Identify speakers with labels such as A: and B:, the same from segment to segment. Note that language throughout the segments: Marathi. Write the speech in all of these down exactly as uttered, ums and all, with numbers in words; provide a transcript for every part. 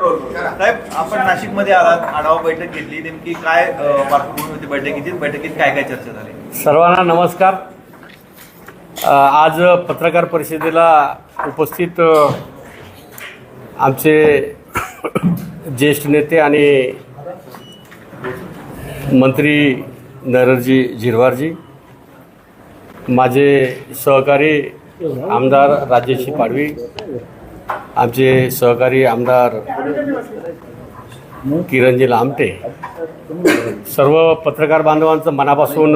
A: साहेब, आपण नाशिकमध्ये आलात, आढावा बैठक घेतली, नेमकी काय पार्श्वभूमी होती बैठकीची? बैठकीत काय काय चर्चा झाली?
B: सर्वांना नमस्कार. आज पत्रकार परिषदेला उपस्थित आमचे ज्येष्ठ नेते आणि मंत्री नरहरजी झिरवारजी, माझे सहकारी आमदार राजेश पाडवी, आमचे सहकारी आमदार किरणजी लामटे, सर्व पत्रकार बांधवांचं मनापासून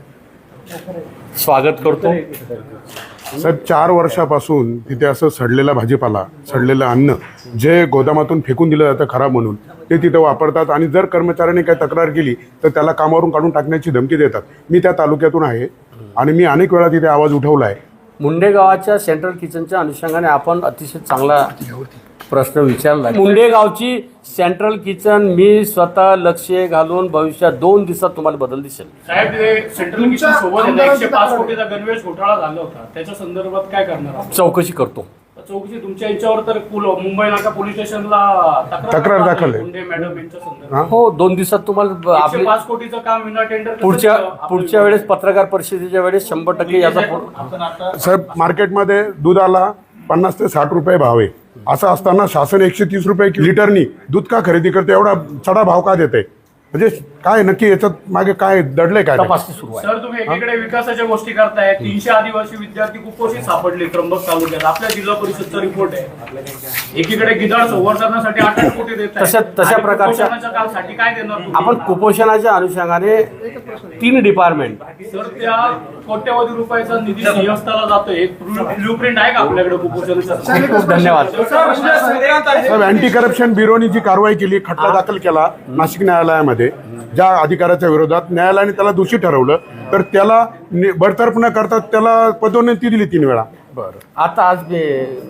B: स्वागत करतो.
C: साहेब, चार वर्षापासून तिथे असं सडलेला भाजीपाला, सडलेलं अन्न जे गोदामातून फेकून दिलं जातं खराब म्हणून, ते तिथे वापरतात आणि जर कर्मचाऱ्यांनी काही तक्रार केली तर त्याला कामावरून काढून टाकण्याची धमकी देतात. मी त्या तालुक्यातून आहे आणि मी अनेक वेळा तिथे आवाज उठवला आहे.
B: मुंडे गावाच्या सेंट्रल किचनच्या अनुषंगाने आपण अतिशय चांगला प्रश्न विचारला. मुंडे गावची सेंट्रल किचन मी स्वतः लक्ष घालून भविष्यात दोन दिवसात तुम्हाला बदल दिसेल.
D: साहेब, सेंट्रल किचन सोबत एकशे पाच कोटीचा गणवेश घोटाळा झाला होता, त्याच्या संदर्भात काय करणार?
B: चौकशी करतो.
D: चौकशी तुमच्या याच्यावर तर मुंबई नाका पोलीस स्टेशनला
C: तक्रार दाखल आहे.
D: मुंडे मॅडम यांच्या संदर्भात
B: हो, दोन दिवसात तुम्हाला
D: आपले पाच कोटीचं काम विना टेंडर
B: पुढच्या पुढच्या वेळेस पत्रकार परिषदेच्या वेळेस शंभर टक्के याचा.
C: साहेब, मार्केटमध्ये दुधाला पन्नास ते साठ रुपये भाव आहे. असं असताना शासन एकशे तीस रुपये लिटरनी दूध का खरेदी करते? एवढा चढा भाव का देते? म्हणजे काय नक्की याच्यात मागे काय दडले? काय
B: तपासणी सुरू आहे.
D: सर, तुम्ही एकीकडे विकासाच्या गोष्टी करताय, तीनशे आदिवासी विद्यार्थी कुपोषित सापडले त्र्यंबक तालुक्यात, आपल्या जिल्हा परिषदचा रिपोर्ट आहे. एकीकडे गिधाड संवर्धनासाठी आठ आठ कोटी देत
B: तशा तशा प्रकारच्या
D: कालसाठी काय देणार?
B: आपण कुपोषणाच्या अनुषंगाने तीन डिपार्टमेंट.
D: सर, त्या कोट्यवधी रुपयाचा निधी सिंहस्थाला जातोय, ब्लू प्रिंट आहे का आपल्याकडे कुपोषणाचा?
B: खूप धन्यवाद.
C: साहेब, अँटी करप्शन ब्युरोनी जी कारवाई केली, खटला दाखल केला नाशिक न्यायालयामध्ये, ज्या अधिकाऱ्याच्या विरोधात न्यायालयाने त्याला दोषी ठरवलं, तर त्याला बडतर्फ न करता त्याला पदोन्नती दिली तीन वेळा.
B: बरं, आता आज मी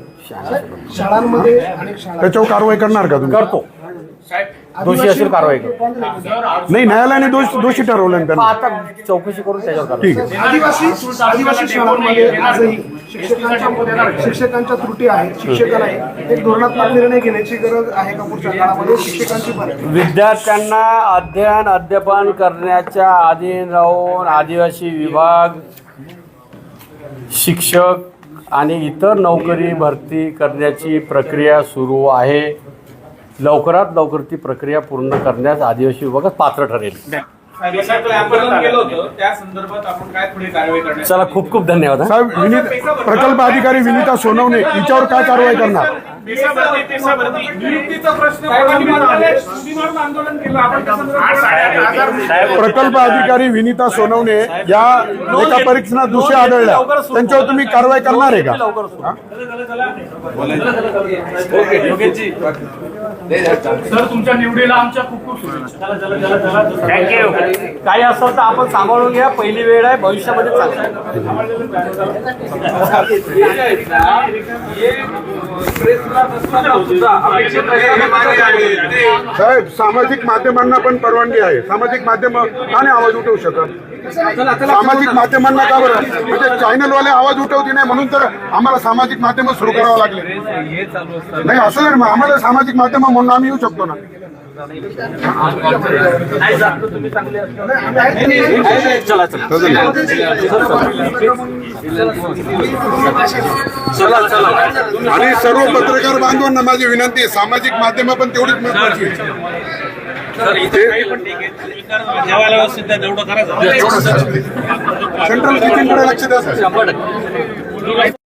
C: शाळांमध्ये त्याच्यावर कारवाई करणार का तुम्ही?
B: करतो. दोषी असेल कारवाई करतो.
C: नाही, न्यायालयाने दोष दोषी ठरवलं त्यांना.
B: आता चौकशी करून त्याच्यावर
C: ठीक आहे.
E: आदिवासी आदिवासी शाळांमध्ये आजही शिक्षकांच्या शिक्षकांच्या त्रुटी आहेत. शिक्षकांना एक धोरणात्मक निर्णय घेण्याची गरज आहे का पुढच्या काळामध्ये? शिक्षकांची पण
B: विद्यार्थ्यांना अध्ययन अध्यापन करण्याच्या अधीन राहून आदिवासी विभाग, शिक्षक आणि इतर नोकरी भरती करण्याची प्रक्रिया सुरू आहे. लवकरात लवकर ती प्रक्रिया पूर्ण करण्यास आदिवासी विभागात पात्र ठरेल. चला, खूप खूप धन्यवाद.
C: साहेब, विनीत प्रकल्प अधिकारी विनीता सोनवणे हिच्यावर काय कारवाई करणार? प्रकल्प अधिकारी विनीता सोनवणे या एका परीक्षणात दोषी आढळल्या, त्यांच्यावर तुम्ही कारवाई करणार आहे का?
D: सर, तुमच्या निवडीला आमच्या खूप खूप शुभेच्छा.
B: थँक्यू. काही असेल तर आपण सांभाळून घ्या. पहिली वेळ आहे, भविष्यामध्ये
C: साहेब, सामाजिक माध्यमांना पण परवानगी आहे. सामाजिक माध्यम का नाही आवाज उठवू शकत? सामाजिक माध्यमांना का बरं? म्हणजे चॅनलवाले आवाज उठवते नाही म्हणून तर आम्हाला सामाजिक माध्यम सुरू करावं लागले. नाही, असं नाही, आम्हाला सामाजिक माध्यम म्हणून आम्ही येऊ शकतो ना. आणि सर्व पत्रकार बांधवांना माझी विनंती आहे, सामाजिक माध्यम पण तेवढीच महत्वाची आहे. सेंट्रल किचनकडे लक्ष द्या.